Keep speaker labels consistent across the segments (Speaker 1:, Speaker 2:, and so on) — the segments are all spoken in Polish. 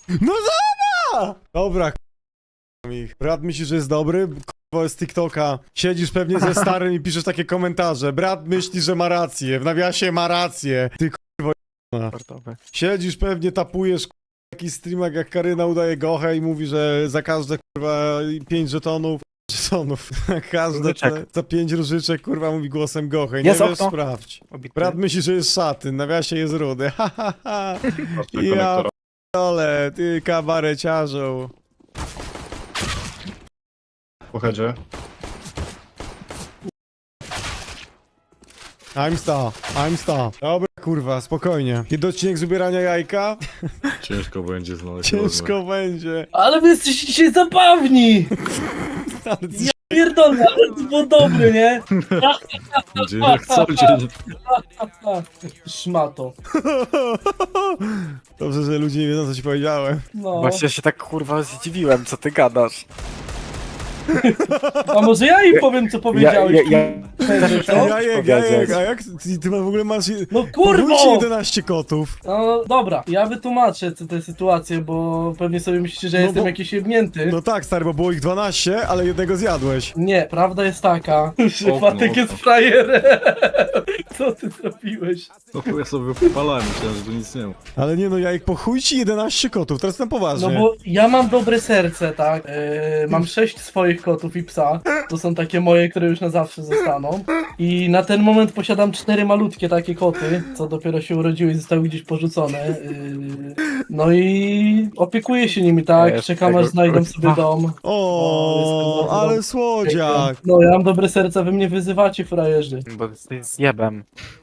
Speaker 1: No dobra, ich. Brat myśli, że jest dobry? Kurwa, z TikToka. Siedzisz pewnie ze starym i piszesz takie komentarze. Brat myśli, że ma rację. W nawiasie ma rację. Ty kurwa.
Speaker 2: Sportowy.
Speaker 1: Siedzisz pewnie, tapujesz kurwa, jakiś streamek jak Karyna udaje gochę i mówi, że za każde kurwa 5 żetonów. Każde
Speaker 2: Różyczek.
Speaker 1: za 5 różyczek kurwa mówi głosem gochę. Nie
Speaker 2: Jest
Speaker 1: wiesz,
Speaker 2: okno.
Speaker 1: sprawdź.
Speaker 2: Obity.
Speaker 1: Brat myśli, że jest szaty. W nawiasie jest rudy. Ha ha ha. Ja
Speaker 3: konektora.
Speaker 1: p***ole, ty kabareciarzu.
Speaker 3: Po headzie.
Speaker 1: I'm star. Dobra, kurwa, spokojnie. Kiedy odcinek z ubierania jajka?
Speaker 3: Ciężko będzie znaleźć.
Speaker 1: Ciężko będzie.
Speaker 4: Ale wy jesteście dzisiaj zabawni!
Speaker 1: Ale ty...
Speaker 4: Pierdolę, ale to było dobre, nie?
Speaker 3: Będzie jak co dzień.
Speaker 4: Szmato.
Speaker 1: Dobrze, że ludzie nie wiedzą, co ci powiedziałem.
Speaker 4: No.
Speaker 2: Właśnie się tak kurwa zdziwiłem, co ty gadasz.
Speaker 4: A może ja im powiem, co powiedziałeś?
Speaker 2: też
Speaker 4: Co?
Speaker 1: Jajek, a jak ty w ogóle masz...
Speaker 4: No kurwa!
Speaker 1: Podwójcie 11 kotów.
Speaker 4: No dobra, ja wytłumaczę tę sytuację, bo pewnie sobie myślicie, że
Speaker 1: No
Speaker 4: jestem
Speaker 1: bo-
Speaker 4: jakiś jebnięty.
Speaker 1: No tak, stary, bo było ich 12, ale jednego zjadłeś.
Speaker 4: Nie, prawda jest taka, że
Speaker 3: O,
Speaker 4: Fatek
Speaker 3: no.
Speaker 4: jest frajerem. Co ty zrobiłeś?
Speaker 3: No bo ja sobie wypalałem, myślałem, że tu nic nie ma.
Speaker 1: Ale nie no, Jajek, po chuj ci 11 kotów, teraz na poważnie.
Speaker 4: No bo ja mam dobre serce, tak? Mam 6 swoich kotów i psa. To są takie moje, które już na zawsze zostaną. I na ten moment posiadam 4 malutkie takie koty, co dopiero się urodziły i zostały gdzieś porzucone. No i opiekuję się nimi, tak?
Speaker 2: Jest
Speaker 4: Czekam
Speaker 2: tego
Speaker 4: aż znajdą
Speaker 2: kurwa.
Speaker 4: sobie dom.
Speaker 1: O,
Speaker 4: jestem bardzo
Speaker 1: ale
Speaker 4: dobry.
Speaker 1: słodziak.
Speaker 4: No ja mam dobre serce, wy mnie wyzywacie, frajerzy.
Speaker 2: Bo jesteś zjebem.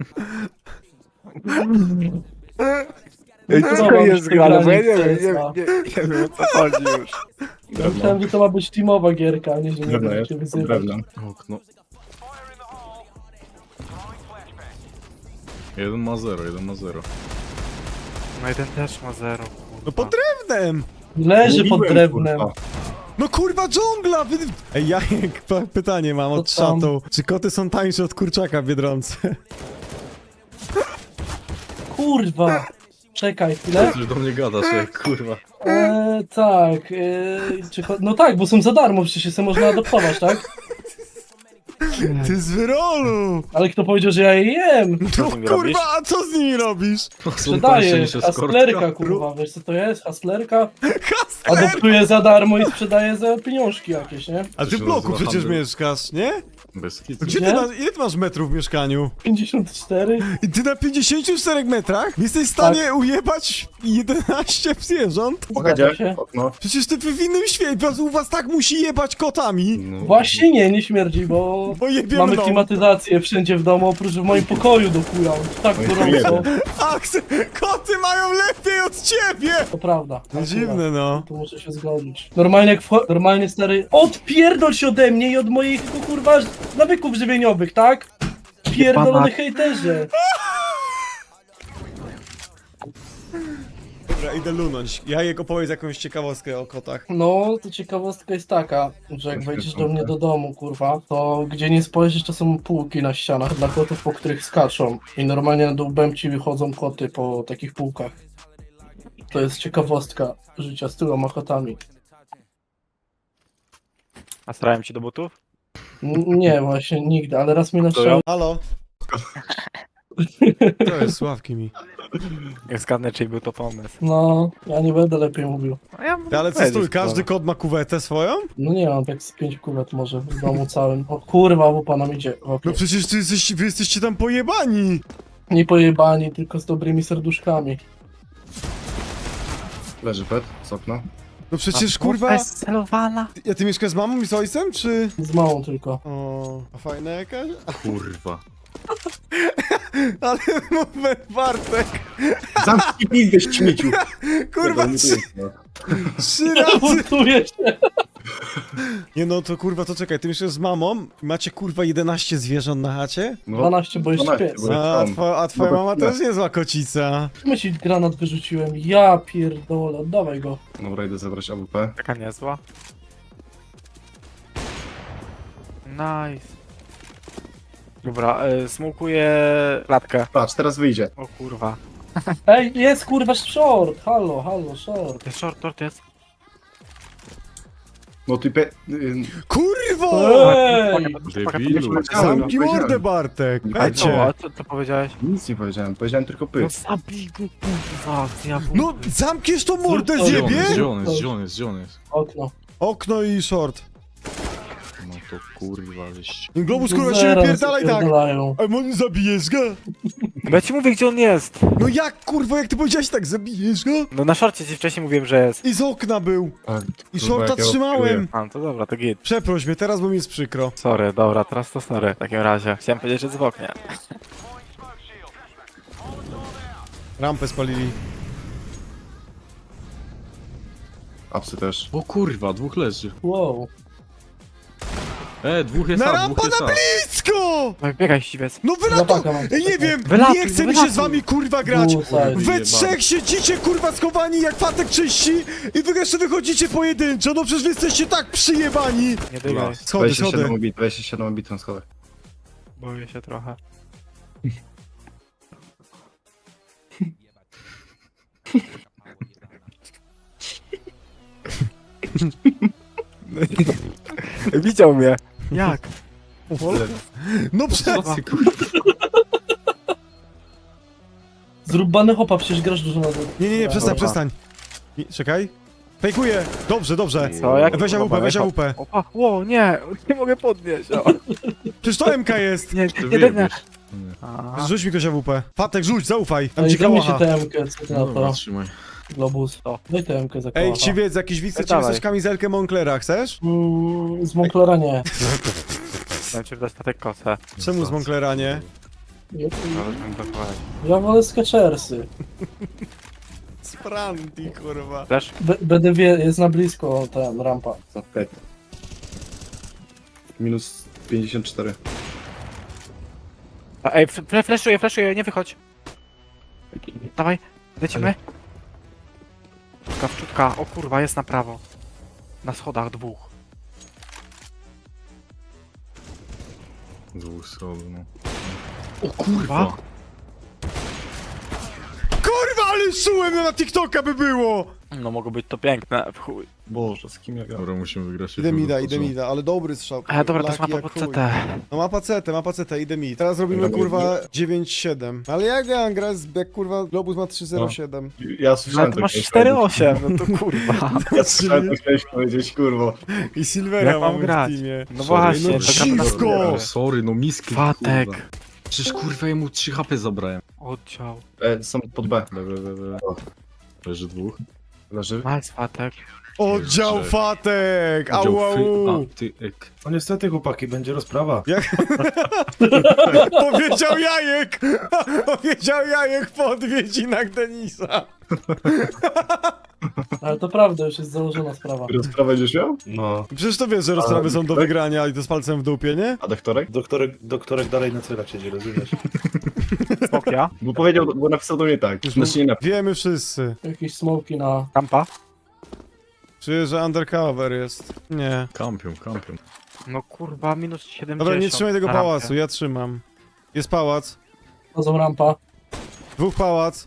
Speaker 4: Ej, co jest grane, bo ja
Speaker 2: nie wiem o co chodzi już.
Speaker 4: Ja myślałem, że to ma być teamowa gierka, a nie, że nie
Speaker 3: Drewno
Speaker 4: będziecie
Speaker 3: jest.
Speaker 4: wyzywać.
Speaker 3: Drewno. Okno. 1 ma 0.
Speaker 2: No jeden też ma 0.
Speaker 1: No pod drewnem.
Speaker 4: Leży pod
Speaker 3: Mówiłem,
Speaker 4: drewnem.
Speaker 3: kurwa.
Speaker 1: No kurwa, dżungla! Ej, Jajek, pytanie mam od
Speaker 4: Co tam?
Speaker 1: szatą. Czy koty są tańsze od kurczaka w Biedronce?
Speaker 4: Kurwa! Czekaj chwilę.
Speaker 3: Coś do mnie gadasz, jak kurwa.
Speaker 4: Tak. No tak, bo są za darmo, przecież się można adoptować, tak?
Speaker 1: Ty z wyrolu!
Speaker 4: Ale kto powiedział, że ja je jem?
Speaker 1: No
Speaker 2: z nimi robisz?
Speaker 1: kurwa, a co z nimi robisz?
Speaker 3: Są tańsze
Speaker 4: Sprzedaję.
Speaker 3: niż
Speaker 4: Hustlerka,
Speaker 3: eskortka.
Speaker 4: kurwa. Wiesz co to jest? Hustlerka?
Speaker 1: Hustler!
Speaker 4: Adoptuję za darmo i sprzedaję za pieniążki jakieś, nie?
Speaker 1: A
Speaker 3: To
Speaker 1: ty
Speaker 3: się
Speaker 1: w bloku
Speaker 3: nazywa
Speaker 1: przecież
Speaker 3: handel.
Speaker 1: mieszkasz, nie?
Speaker 3: Bez kitu.
Speaker 1: Gdzie ty
Speaker 4: Nie?
Speaker 1: masz, ile ty masz metrów w mieszkaniu?
Speaker 4: 54?
Speaker 1: I ty na 54 metrach jesteś w stanie ujebać 11 zwierząt?
Speaker 3: Po
Speaker 4: Zgadza
Speaker 3: headzie.
Speaker 4: się.
Speaker 3: Okno.
Speaker 1: Przecież ty w innym świecie, u was tak musi jebać kotami.
Speaker 3: No.
Speaker 4: Właśnie nie śmierdzi, bo
Speaker 1: Bo jebiemy
Speaker 4: mamy
Speaker 1: dom.
Speaker 4: klimatyzację wszędzie w domu, oprócz w moim pokoju dokują. Tak
Speaker 3: No i
Speaker 4: gorąco.
Speaker 1: Aks, koty mają lepiej od ciebie!
Speaker 4: To prawda.
Speaker 1: No
Speaker 4: Akurat.
Speaker 1: dziwne no.
Speaker 4: Tu muszę się zgodzić. Normalnie jak normalnie stary. Odpierdol się ode mnie i od moich kurwa nawyków żywieniowych, tak? Pierdolony hejterze.
Speaker 1: Dobra, idę lunąć. Jajek, opowiedz jakąś ciekawostkę o kotach.
Speaker 4: No, to ciekawostka jest taka, że jak wejdziesz do mnie do domu, kurwa, to gdzie nie spojrzysz, to są półki na ścianach dla kotów, po których skaczą. I normalnie na dół ci wychodzą koty po takich półkach. To jest ciekawostka życia z tyloma kotami.
Speaker 2: A starałem ci do butów?
Speaker 4: Nie, właśnie nigdy, ale raz mnie naszczał.
Speaker 1: Halo? To jest sławki mi.
Speaker 2: Jak zgadnę, czyj był to pomysł.
Speaker 4: No, ja nie będę lepiej mówił.
Speaker 2: No ja
Speaker 1: Ty, ale co stój, każdy kot ma kuwetę swoją?
Speaker 4: No nie mam tak z 5 kuwet może w domu całym. O kurwa, łupa nam idzie. W okno.
Speaker 1: No przecież wy jesteście tam pojebani!
Speaker 4: Nie pojebani, tylko z dobrymi serduszkami.
Speaker 3: Leży pet z okna.
Speaker 1: No przecież kurwa...
Speaker 2: celowana.
Speaker 1: Ja ty mieszkasz z mamą i z ojcem, czy...
Speaker 4: Z małą tylko.
Speaker 1: O, a fajna jakaś?
Speaker 3: Kurwa.
Speaker 1: Ale mówię, Bartek,
Speaker 3: Zamknij pizdę, śmieciu.
Speaker 1: kurwa,
Speaker 3: Tego nie tu jest,
Speaker 1: trzy razy...
Speaker 4: Buntuję się.
Speaker 1: Nie no, to kurwa, to czekaj, ty mieszkasz z mamą i macie kurwa 11 zwierząt na chacie?
Speaker 3: no.
Speaker 4: 12, bo jest
Speaker 3: 12,
Speaker 4: pies.
Speaker 3: bo-
Speaker 1: A twoja
Speaker 3: No to
Speaker 1: mama
Speaker 3: tyle.
Speaker 1: też niezła kocica.
Speaker 4: Myśli, granat wyrzuciłem. Ja pierdolę, oddawaj go.
Speaker 3: Dobra, idę zebrać AWP.
Speaker 2: Taka niezła. Nice. Dobra, smokuję klatkę.
Speaker 3: Patrz, teraz wyjdzie.
Speaker 2: O kurwa.
Speaker 4: Ej, jest kurwa short! Halo, halo, short.
Speaker 2: Jest short jest.
Speaker 3: No typie...
Speaker 1: Kurwo!
Speaker 4: Ej!
Speaker 3: Debilu.
Speaker 1: Zamknij mordę, Bartek!
Speaker 3: Nie
Speaker 2: A
Speaker 1: Ecie!
Speaker 2: co powiedziałeś?
Speaker 3: Nic nie powiedziałem, powiedziałem tylko
Speaker 2: No
Speaker 3: pyk.
Speaker 2: zabij go, kurwa. Ja
Speaker 1: No, zamkniesz tą mordę,
Speaker 4: Zrób to.
Speaker 1: zjebie?
Speaker 3: Gdzie on jest?
Speaker 4: Okno.
Speaker 1: Okno i short.
Speaker 3: No to kurwa, wyś...
Speaker 1: Globus, kurwa, się
Speaker 4: Zaraz
Speaker 1: wypierdalaj tak!
Speaker 4: wypierdalają.
Speaker 1: A on zabijesz go?
Speaker 2: Bo ja ci mówię, gdzie on jest.
Speaker 1: No jak, kurwa, jak ty powiedziałeś tak, zabijesz go?
Speaker 2: No na szorcie ci wcześniej mówiłem, że jest.
Speaker 1: I z okna był. I shorta
Speaker 3: jak ja
Speaker 1: trzymałem.
Speaker 2: A, no to dobra, to git.
Speaker 1: Przeproś mnie, teraz bo mi jest przykro.
Speaker 2: Sorry, dobra, teraz to sorry. W takim razie. Chciałem powiedzieć, że jest w oknie.
Speaker 1: Rampę spalili.
Speaker 3: Apsy też.
Speaker 5: O kurwa, dwóch leży.
Speaker 4: Wow.
Speaker 5: Dwóch jest
Speaker 1: Na
Speaker 5: A,
Speaker 1: rampa
Speaker 5: dwóch jest
Speaker 1: na
Speaker 5: A.
Speaker 1: blisko!
Speaker 2: No biegaj, ściwiec.
Speaker 1: No wylatuj!
Speaker 4: Zapaka mam.
Speaker 1: Ej, nie wiem,
Speaker 2: Wylatuj,
Speaker 1: nie chce mi się
Speaker 2: wylatuj.
Speaker 1: z wami kurwa grać!
Speaker 4: Bullseye.
Speaker 1: We trzech siedzicie kurwa schowani jak fatek czyści i wy jeszcze wychodzicie pojedynczo, no przecież wy jesteście tak przyjebani!
Speaker 2: Nie dygaj.
Speaker 1: Schody,
Speaker 3: 27
Speaker 1: schody.
Speaker 3: obit, 27 obit na schodach.
Speaker 2: Boję się trochę. Widział mnie. Jak?
Speaker 1: No prze...
Speaker 5: Co ty kurwa?
Speaker 4: Zrób bany hopa, przecież grasz dużo na to.
Speaker 1: Nie, przestań,
Speaker 4: Dobra.
Speaker 1: przestań. Czekaj. Fejkuję. Dobrze, dobrze.
Speaker 2: Co, jak?
Speaker 1: Weź AWP, weź AWP.
Speaker 2: Opa, ło, nie mogę podnieść. O.
Speaker 1: Przecież to MK jest.
Speaker 2: Nie,
Speaker 5: Ty
Speaker 2: nie, nie.
Speaker 5: wyjebiesz.
Speaker 2: A,
Speaker 1: Rzuć mi ktoś AWP. Fatek, rzuć, zaufaj. Tam
Speaker 4: Ej,
Speaker 1: ci
Speaker 4: zrób mi się
Speaker 1: kałacha.
Speaker 4: TMK, co ty na
Speaker 5: Dobra,
Speaker 4: to?
Speaker 5: trzymaj.
Speaker 4: Globus.
Speaker 2: O.
Speaker 4: Daj TMK za
Speaker 1: Ej,
Speaker 4: kałacha.
Speaker 1: chciwiec, jakiś widz, chce ci
Speaker 2: Dawaj.
Speaker 1: wysłać kamizelkę Monclera, chcesz?
Speaker 4: Z Monclera nie.
Speaker 2: chciałem ci wdać statek kosę.
Speaker 1: Czemu z Monclera nie?
Speaker 4: Ja wolę Skechersy.
Speaker 1: Spranti, kurwa.
Speaker 2: Też?
Speaker 4: Będę jest na blisko ten rampa.
Speaker 3: Za 5. Minus 54.
Speaker 2: Ej, flashuję, nie wychodź. Dawaj, lecimy. Czutka, o kurwa, jest na prawo. Na schodach dwóch.
Speaker 5: Dwóch schodów, no.
Speaker 2: O kurwa.
Speaker 1: Kurwa, ale szułem na TikToka by było!
Speaker 2: No mogło być to piękne, w chuj.
Speaker 3: Boże, z kim ja gadam?
Speaker 5: Dobra, musimy wygrać.
Speaker 1: Idę mida, ale dobry strzał.
Speaker 2: Dobra, to jest
Speaker 1: Laki
Speaker 2: mapa
Speaker 1: jak
Speaker 2: pod
Speaker 1: chuj.
Speaker 2: CT.
Speaker 1: No ma pacetę, idę mi. Teraz robimy kurwa 9-7. Ale jak ja mam grać, jak kurwa Globus ma 3-0-7.
Speaker 3: Ja
Speaker 2: No
Speaker 3: słyszałem
Speaker 2: to masz
Speaker 3: to chciałeś
Speaker 2: 4-8, no to kurwa.
Speaker 3: Ja słyszałem to chciałeś powiedzieć, kurwa.
Speaker 1: I Silvera
Speaker 2: Jak mam
Speaker 1: mamy w
Speaker 2: grać?
Speaker 1: teamie.
Speaker 2: No
Speaker 5: Sorry,
Speaker 2: właśnie,
Speaker 1: no
Speaker 2: to gra na
Speaker 1: dziwko!
Speaker 2: skórę.
Speaker 5: Sorry, no miski.
Speaker 2: Fatek.
Speaker 5: kurwa. Przecież kurwa jemu 3 HP zabrałem.
Speaker 2: Oddział.
Speaker 3: Są pod B.
Speaker 5: Leży dwóch.
Speaker 3: Leży.
Speaker 2: Nice, Fatek.
Speaker 1: Oddział
Speaker 5: Jeszcze.
Speaker 1: fatek!
Speaker 5: Oddział
Speaker 1: Au,
Speaker 5: free-
Speaker 1: au.
Speaker 5: A, ty ek.
Speaker 6: No niestety chłopaki, będzie rozprawa.
Speaker 1: Powiedział Jajek! Powiedział Jajek po odwiedzinach Denisa.
Speaker 4: Ale to prawda, już jest założona sprawa.
Speaker 3: Rozprawę będziesz miał?
Speaker 6: No.
Speaker 1: Przecież to wiesz, że rozprawy są do wygrania i to z palcem w dupie, nie?
Speaker 3: A doktorek?
Speaker 6: Doktorek dalej na celach siedzi, rozumiesz?
Speaker 2: Smokia.
Speaker 3: Bo powiedział, bo napisał do mnie tak. Znaczy nie napisał.
Speaker 1: Wiemy wszyscy.
Speaker 4: Jakieś smoki na...
Speaker 2: Rampa.
Speaker 1: Czuję, że undercover jest. Nie.
Speaker 5: Kampion.
Speaker 2: No kurwa, minus 70.
Speaker 1: Dobra, nie trzymaj tego
Speaker 2: na rampie.
Speaker 1: pałacu, ja trzymam. Jest pałac.
Speaker 4: Chodzą rampa.
Speaker 1: Dwóch pałac.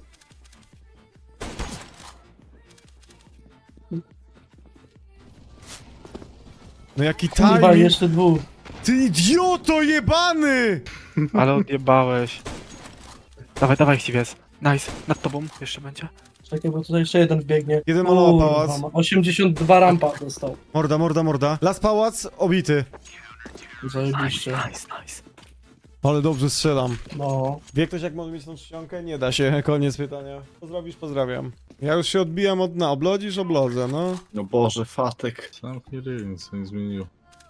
Speaker 1: No jaki
Speaker 4: Kurwa,
Speaker 1: timing!
Speaker 4: jeszcze dwóch.
Speaker 1: Ty idioto jebany!
Speaker 2: Ale odjebałeś. Dawaj, chciwiec. Nice, nad tobą jeszcze będzie.
Speaker 4: Czekaj, bo tutaj jeszcze jeden wbiegnie.
Speaker 1: Jeden malował
Speaker 4: Kurwa,
Speaker 1: pałac.
Speaker 4: ma 82 rampa dostał.
Speaker 1: Morda. Las pałac, obity.
Speaker 4: Zajebiście.
Speaker 2: Nice.
Speaker 1: Ale dobrze strzelam.
Speaker 4: No.
Speaker 1: Wie ktoś, jak może mieć tą czcionkę? Nie da się, koniec pytania. Pozdrowisz, pozdrawiam. Ja już się odbijam od dna. Oblodzisz, oblodzę, no.
Speaker 3: No Boże, fatek.
Speaker 5: Zamknij ryj, nic się nie zmieniło.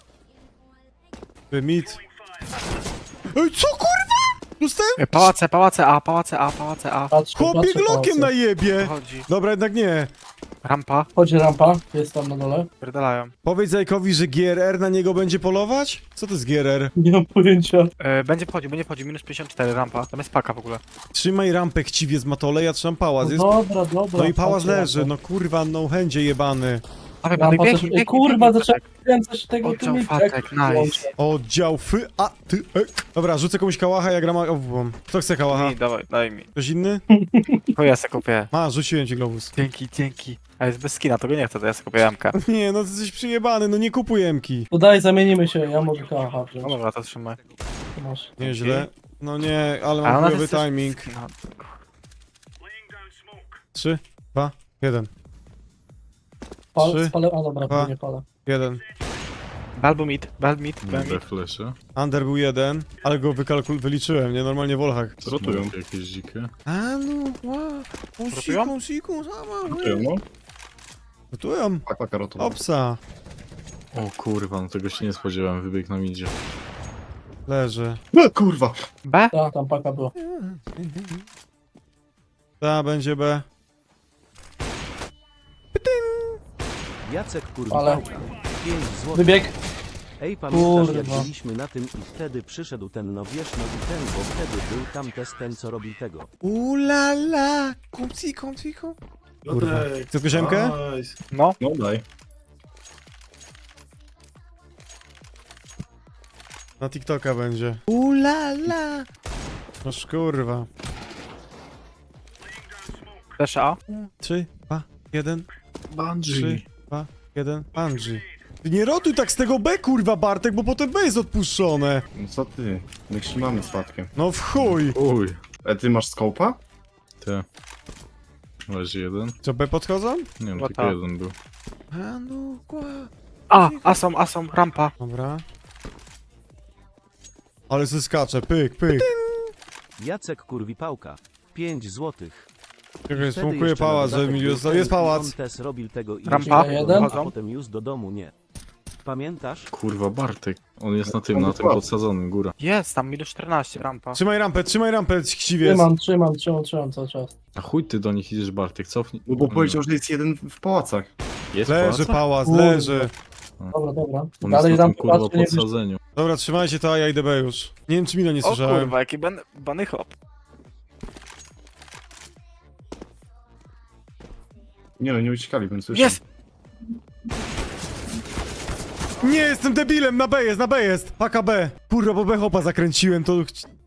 Speaker 1: Ty mit. Ej, co kurwa? Dostałem
Speaker 2: Pałace A.
Speaker 4: Patrzę,
Speaker 1: chłopie
Speaker 4: patrzę,
Speaker 1: glokiem na
Speaker 4: pałace.
Speaker 1: jebie.
Speaker 2: Chodzi.
Speaker 1: Dobra, jednak nie.
Speaker 2: Rampa.
Speaker 4: Chodzi rampa, jest tam na dole.
Speaker 2: Pierdalają.
Speaker 1: Powiedz Zajkowi, że GRR na niego będzie polować? Co to jest GRR?
Speaker 4: Nie mam pojęcia.
Speaker 2: Będzie wchodził, minus 54 rampa. Tam jest paka w ogóle.
Speaker 1: Trzymaj rampę, chciwie z matole, ja trzymam pałac. Jest...
Speaker 4: No dobra.
Speaker 1: No i pałac
Speaker 4: patrzę
Speaker 1: leży,
Speaker 4: rampę.
Speaker 1: no kurwa, no chędzie jebany.
Speaker 2: Dawaj,
Speaker 4: Rampa
Speaker 2: Bartek,
Speaker 4: też...
Speaker 2: biegnij, biegnij,
Speaker 4: Kurwa,
Speaker 2: biegnij,
Speaker 4: zacząłem
Speaker 2: Bartek.
Speaker 4: kręcać tego
Speaker 2: Oddział
Speaker 4: tymi-
Speaker 2: Fatek, nice.
Speaker 1: Oddział ty. Dobra, rzucę komuś kałacha, ja gram owłom. Kto chce kałacha?
Speaker 2: Mi, dawaj, daj mi.
Speaker 1: Ktoś inny?
Speaker 2: To ja se kupię.
Speaker 1: Rzuciłem ci globus.
Speaker 2: Dzięki. A jest bez skina, to go nie chcę, to ja se kupię MK.
Speaker 1: Nie, no ty jesteś przyjebany, no nie kupuj emki.
Speaker 4: To daj, zamienimy się, ja mogę kałacha
Speaker 2: No
Speaker 4: wziąć.
Speaker 2: dobra, to trzymaj.
Speaker 4: Masz.
Speaker 1: Nieźle. No nie, ale
Speaker 2: A
Speaker 1: mam
Speaker 2: ona
Speaker 1: chujowy
Speaker 2: jest też
Speaker 1: timing.
Speaker 2: skina.
Speaker 1: 3, 2, 1. Trzy,
Speaker 4: Spalę, a dobra,
Speaker 1: dwa.
Speaker 4: to nie palę.
Speaker 1: 1.
Speaker 2: Balbu mid.
Speaker 5: Dobra, flesze.
Speaker 1: Under był 1, ale go wyliczyłem, nie? Normalnie w olchach.
Speaker 3: Rotują.
Speaker 5: Smoki jakieś dzikie.
Speaker 1: A no,
Speaker 2: Rotują?
Speaker 1: siku, sama.
Speaker 3: Rotują, no.
Speaker 1: Rotują.
Speaker 3: Paka rotowa.
Speaker 1: Opsa.
Speaker 5: O kurwa, no tego się nie spodziewałem, wybieg nam idzie.
Speaker 1: Leży.
Speaker 3: Kurwa!
Speaker 2: B?
Speaker 4: Tak, tam paka była.
Speaker 1: Ta, będzie B.
Speaker 7: Jacek kurwa.
Speaker 4: Ale
Speaker 7: 5 zł.
Speaker 4: wybieg.
Speaker 7: Ej, pamiętasz jak
Speaker 4: Kurwa.
Speaker 7: byliśmy na tym i wtedy przyszedł ten no wiesz no i ten, bo wtedy był tam też ten co robi tego.
Speaker 1: Ulala. Kupci. Kurwa.
Speaker 6: Piotrek,
Speaker 1: Chcesz koziemkę?
Speaker 6: nice.
Speaker 2: No.
Speaker 3: No daj.
Speaker 1: Na TikToka będzie. Ulala. No kurwa.
Speaker 2: Flash A.
Speaker 1: 3, 2, 1. 3,
Speaker 5: Bungie.
Speaker 1: 2, 1. Bungie. Ty nie rotuj tak z tego B, kurwa, Bartek, bo potem B jest odpuszczone.
Speaker 3: No co ty? My trzymamy statkiem.
Speaker 1: No w chuj.
Speaker 5: Uj,
Speaker 3: Ty masz skopa?
Speaker 5: te. Leży jeden.
Speaker 1: Co, B podchodzą?
Speaker 5: Nie wiem,
Speaker 2: Chyba
Speaker 5: tylko
Speaker 2: tak.
Speaker 5: jeden był.
Speaker 1: A no,
Speaker 2: Asom, rampa.
Speaker 1: Dobra. Ale se skacze, pyk.
Speaker 7: Jacek kurwi pałka. 5 złotych.
Speaker 1: Czekaj,
Speaker 7: Wtedy
Speaker 1: smokuję
Speaker 7: jeszcze
Speaker 1: pałac,
Speaker 7: na
Speaker 1: żeby mi
Speaker 7: dodatek był
Speaker 1: jest
Speaker 7: ten,
Speaker 1: pałac.
Speaker 7: On też robił tego i
Speaker 2: Rampa?
Speaker 4: Jeden?
Speaker 7: a potem już do domu nie. Pamiętasz?
Speaker 5: Kurwa, Bartek. On jest na tym podsadzonym, góra.
Speaker 2: Jest, tam minus 14, rampa.
Speaker 1: Trzymaj rampę, chciwiec.
Speaker 4: Trzymam cały czas.
Speaker 5: A chuj ty do nich idziesz, Bartek, cofnij.
Speaker 3: No bo powiedział, że jest jeden w pałacach.
Speaker 5: Jest
Speaker 1: Leży
Speaker 5: pałac?
Speaker 1: pałac, leży.
Speaker 4: Dobra.
Speaker 5: On
Speaker 4: Dalej
Speaker 5: jest na
Speaker 4: dam
Speaker 5: tym kurwa
Speaker 4: patrzę, nie
Speaker 5: podsadzeniu.
Speaker 1: Dobra, trzymajcie to, a ja idę B już. Nie wiem, czy Milo nie
Speaker 2: O
Speaker 1: słyszałem.
Speaker 2: kurwa, jaki bany hop.
Speaker 3: Nie no, nie uciekali, więc słyszę.
Speaker 2: Jest!
Speaker 1: Nie, jestem debilem, na B jest. Paka B. Kurwa, bo B hopa zakręciłem, to...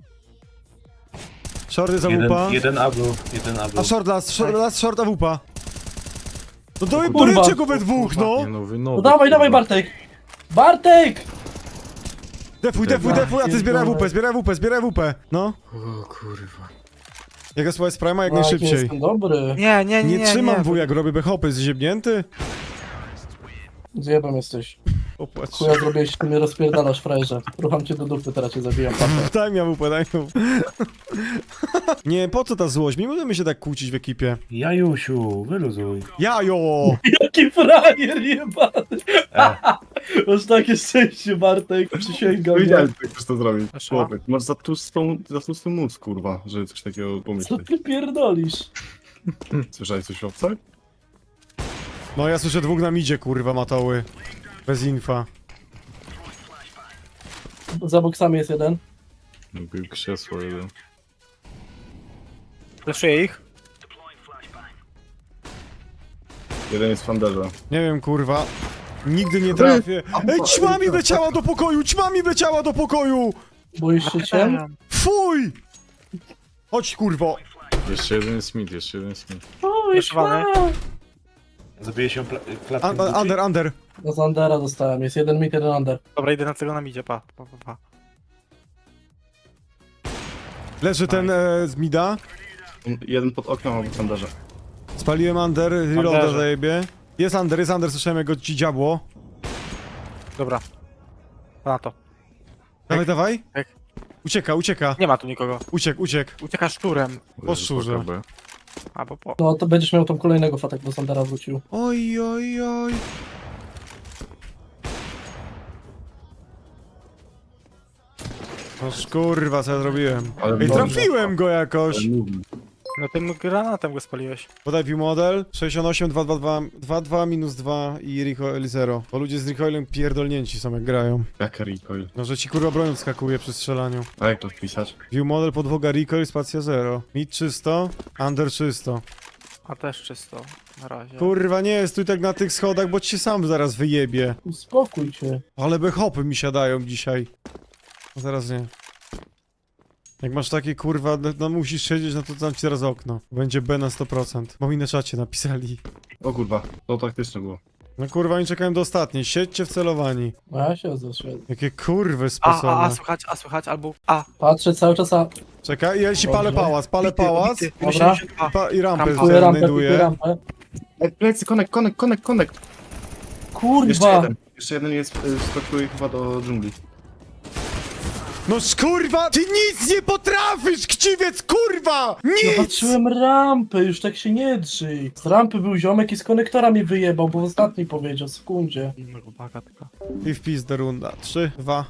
Speaker 1: Shorty za wupa.
Speaker 6: Jeden A był.
Speaker 1: A short a wupa. No to
Speaker 4: kurwa.
Speaker 1: poryczcie go we dwóch, no.
Speaker 5: Nie no, wy
Speaker 4: No dawaj Bartek! Bartek!
Speaker 1: Defuj, a ty zbieraj WP. No.
Speaker 5: O kurwa.
Speaker 1: Jaka słuchaj z Prima jak
Speaker 4: No,
Speaker 1: najszybciej.
Speaker 4: Jestem dobry.
Speaker 2: Nie,
Speaker 1: Nie trzymam wujak, robię B-hopy, zziebnięty?
Speaker 4: Zjebem jesteś.
Speaker 1: Opłacz.
Speaker 4: Chuja zrobiłeś, ty mnie rozpierdalasz, frajerze. Rucham cię do dupy, teraz cię zabijam, patrzę.
Speaker 1: Daj mi WP, daj mi WP. Nie, po co ta złość? Nie możemy się tak kłócić w ekipie.
Speaker 6: Jajusiu, wyluzuj.
Speaker 1: Jajo!
Speaker 4: Jaki frajer jebany! Masz takie szczęście, Bartek, przysięgam.
Speaker 3: Wiedziałem, że tak chcesz to zrobić.
Speaker 2: Proszę?
Speaker 3: Chłopie, masz za tłustą mózg, kurwa, żeby coś takiego
Speaker 4: Co
Speaker 3: pomyśleć.
Speaker 4: ty pierdolisz?
Speaker 3: Słyszałeś coś o obcach?
Speaker 1: No ja słyszę dwóch na midzie, kurwa, matoły. Bez infa.
Speaker 4: Za boksami jest jeden.
Speaker 5: Był krzesło jeden.
Speaker 2: Flashuję ich.
Speaker 3: Jeden jest w fanderze.
Speaker 1: Nie wiem, kurwa. Nigdy nie trafię. Ej, ćma mi wleciała do pokoju!
Speaker 4: Boisz się cię?
Speaker 1: Fuj! Chodź, kurwo.
Speaker 5: Jeszcze jeden jest mid.
Speaker 2: Flaszowany.
Speaker 6: Zabije się klatkę.
Speaker 1: Under.
Speaker 4: No z Undera dostałem, jest jeden mid, jeden Under.
Speaker 2: Dobra, idę na tego na midzie, pa.
Speaker 1: Leży ten z mida.
Speaker 3: Jeden pod oknem albo w fanderze.
Speaker 1: Spaliłem under, reloada
Speaker 2: Underze.
Speaker 1: zajebie. Jest under, słyszałem jak go ci dziabło.
Speaker 2: Dobra. Na to.
Speaker 1: Dawaj.
Speaker 2: Jak?
Speaker 1: Ucieka.
Speaker 2: Nie ma tu nikogo.
Speaker 1: Uciekł.
Speaker 2: Ucieka szczurem.
Speaker 5: Leży
Speaker 1: Po szczurze.
Speaker 5: PKB.
Speaker 2: Albo po.
Speaker 4: No to będziesz miał tam kolejnego fatek, bo z Undera wrócił.
Speaker 1: Oj. No kurwa, co ja zrobiłem?
Speaker 3: Ale
Speaker 1: Ej,
Speaker 3: dobrze.
Speaker 1: trafiłem go jakoś.
Speaker 2: No tym granatem go spaliłeś.
Speaker 1: Podaj view model 68, 222 minus 2 i recoil 0. Bo ludzie z recoilem pierdolnięci są jak grają.
Speaker 3: Jak recoil?
Speaker 1: No, że ci kurwa broń skakuje przy strzelaniu.
Speaker 3: A jak to wpisać?
Speaker 1: View model, podwoga recoil, spacja 0. Mid czysto, under czysto.
Speaker 2: A też czysto. Na razie.
Speaker 1: Kurwa, nie, stój tak na tych schodach, bo ci się sam zaraz wyjebie.
Speaker 4: Uspokój się.
Speaker 1: Ale hopy mi siadają dzisiaj. No zaraz nie. Jak masz takie kurwa, no musisz siedzieć, no to dam ci teraz okno. Będzie B na 100%. Bo mi na czacie napisali.
Speaker 3: O kurwa, to taktyczne było.
Speaker 1: No kurwa, oni czekają do ostatniej. Siedźcie wcelowani.
Speaker 4: No ja się zeszedłem.
Speaker 1: Jakie kurwy sposobne.
Speaker 2: A słychać, albo A.
Speaker 4: Patrzę cały czas, a
Speaker 1: Czekaj, ja ci palę
Speaker 4: Dobrze.
Speaker 1: pałac, palę pałac
Speaker 4: Dobra.
Speaker 1: i rampę
Speaker 4: kupuję rampę, kupuję
Speaker 1: znajduję.
Speaker 4: rampę.
Speaker 3: Plecy, connect. Jeszcze
Speaker 4: Kurwa!
Speaker 3: jeden. Jeszcze jeden jest, skakuje chyba do dżungli.
Speaker 1: No kurwa, ty nic nie potrafisz, chciwiec, kurwa!
Speaker 4: No
Speaker 1: Nic!
Speaker 4: patrzyłem rampę, już tak się nie drzyj. Z rampy był ziomek i z konektora mi wyjebał, bo w ostatniej powiedział, sekundzie.
Speaker 2: Uwaga tylko.
Speaker 1: I w pizdę runda. 3, 2.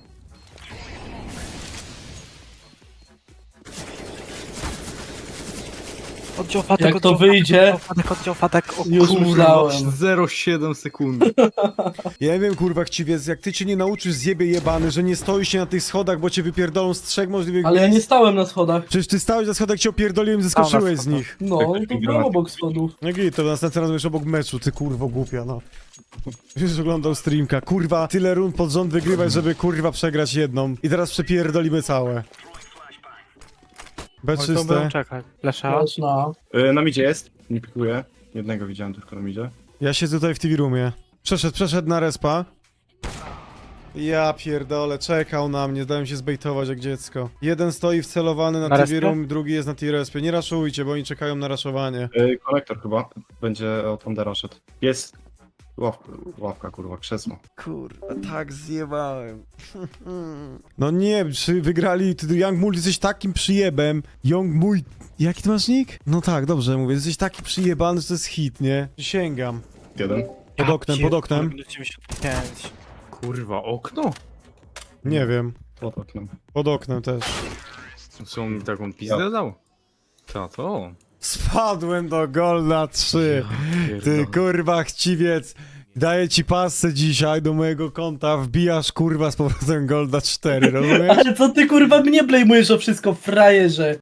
Speaker 2: Oddział Fatek,
Speaker 4: Jak to
Speaker 2: oddział
Speaker 4: wyjdzie?
Speaker 2: Oddział Fatek, o
Speaker 4: Już
Speaker 2: kurwa.
Speaker 4: myślałem.
Speaker 5: 0,7 sekundy.
Speaker 1: Ja nie wiem, kurwa, chciwiec, jak ty cię nie nauczysz, zjebie jebany, że nie stoisz się na tych schodach, bo cię wypierdolą z 3 możliwych
Speaker 4: Ale ja nie
Speaker 1: miejsc.
Speaker 4: stałem na schodach.
Speaker 1: Przecież ty stałeś na schodach, cię opierdoliłem, zeskoczyłeś z
Speaker 2: Stał na
Speaker 1: nich.
Speaker 4: No, to byłem obok schodów.
Speaker 1: No git, to następny raz będziesz obok meczu, ty kurwo głupia, no. Już oglądał streamka, kurwa, tyle rund pod rząd wygrywać, żeby kurwa przegrać jedną. I teraz przepierdolimy całe. B
Speaker 2: Oj, to
Speaker 1: czyste.
Speaker 2: będą czekać. Lesza.
Speaker 4: Lecz na.
Speaker 3: Na midzie jest, nie pikuję. Jednego widziałem tylko na midzie.
Speaker 1: Ja siedzę tutaj w TV roomie. Przeszedł na respa. Ja pierdolę, czekał na mnie, dałem się zbejtować jak dziecko. Jeden stoi wcelowany na
Speaker 2: Na
Speaker 1: TV
Speaker 2: respie?
Speaker 1: room, drugi jest na T-respie. Nie raszujcie, bo oni czekają na raszowanie.
Speaker 3: Konektor chyba będzie od Thundera szedł. Jest ławka kurwa, krzesło.
Speaker 1: Kurwa, tak zjebałem. No nie, czy wygrali, ty Young Mul, jesteś takim przyjebem. Young mój... Jaki ty masz nick? No tak, dobrze mówię, jesteś taki przyjebany, że to jest hit, nie? Sięgam.
Speaker 3: Jeden.
Speaker 1: Pod oknem.
Speaker 2: 95.
Speaker 5: Kurwa, okno?
Speaker 1: Nie wiem.
Speaker 3: Pod oknem.
Speaker 1: Pod oknem też.
Speaker 5: Co on mi taką pizdę dał? Co to?
Speaker 1: Spadłem do Golda 3. Ty
Speaker 5: Pierdolę.
Speaker 1: kurwa chciwiec. Daję ci pasę dzisiaj do mojego konta, wbijasz kurwa z powrotem Golda 4, rozumiesz?
Speaker 4: Ale co ty kurwa mnie blejmujesz o wszystko, frajerze?